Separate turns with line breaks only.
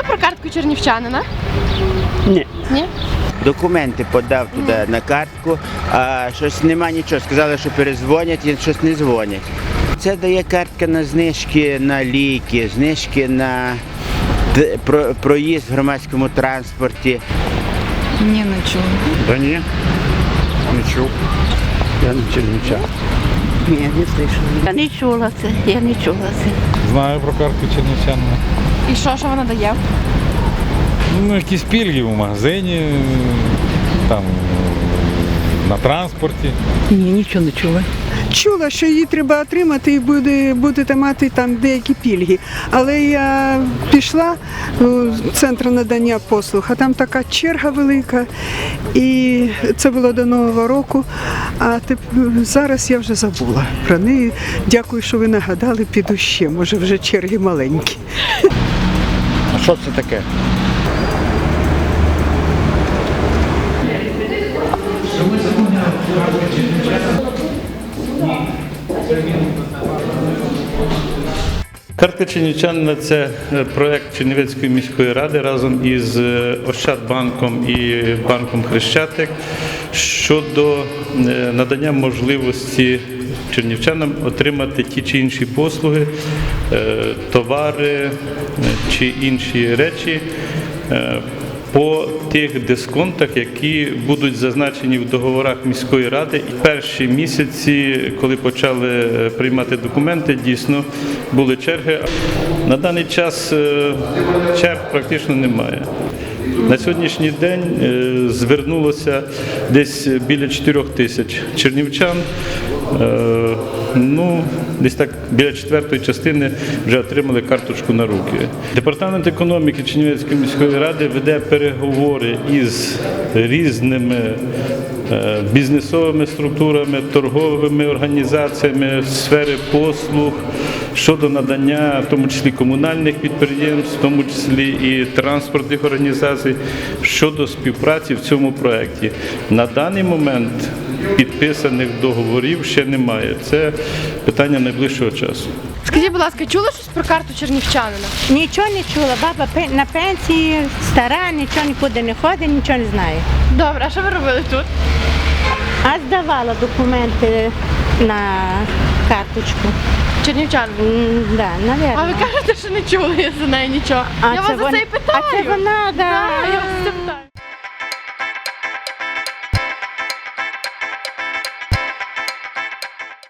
про картку чернівчанина?
Ні.
Ні?
Документи подав туди на картку, а щось нема нічого. Сказали, що перезвонять і щось не дзвонять. Це дає картка на знижки на ліки, знижки на проїзд в громадському транспорті.
Ні, не чула.
Да ні, не чув. Я не чернівчан.
Ні, не слышала. Я не чула це, я не чула це.
Знаю про картку чернівчанина.
І що вона дає?
Ну, якісь пільги в магазині, там, на транспорті.
Ні, нічого не чула.
Чула, що її треба отримати і будете мати там деякі пільги. Але я пішла в центр надання послуг, а там така черга велика. І це було до Нового року, а зараз я вже забула про неї. Дякую, що ви нагадали, піду ще, може вже черги маленькі.
А що це таке?
Картка чернівчанина – це проєкт Чернівецької міської ради разом із Ощадбанком і банком Хрещатик щодо надання можливості чернівчанам отримати ті чи інші послуги, товари чи інші речі по тих дисконтах, які будуть зазначені в договорах міської ради. І перші місяці, коли почали приймати документи, дійсно були черги. На даний час черг практично немає. На сьогоднішній день звернулося десь біля 4 тисяч чернівчан. Десь так біля четвертої частини вже отримали карточку на руки. Департамент економіки Чернівецької міської ради веде переговори із різними бізнесовими структурами, торговими організаціями сфери послуг щодо надання, в тому числі комунальних підприємств, в тому числі і транспортних організацій, щодо співпраці в цьому проєкті. На даний момент підписаних договорів ще немає. Це питання найближчого часу.
Скажіть, будь ласка, чули щось про карту чернівчанина?
Нічого не чула. Баба на пенсії, стара, нічого нікуди не ходить, нічого не знає.
Добре, а що ви робили тут?
А здавала документи на карточку.
Чернівчанин?
Да, навірно.
А ви кажете, що не чули за неї нічого. Я вас за це і питаю.
А це вона, да.
Я вас за це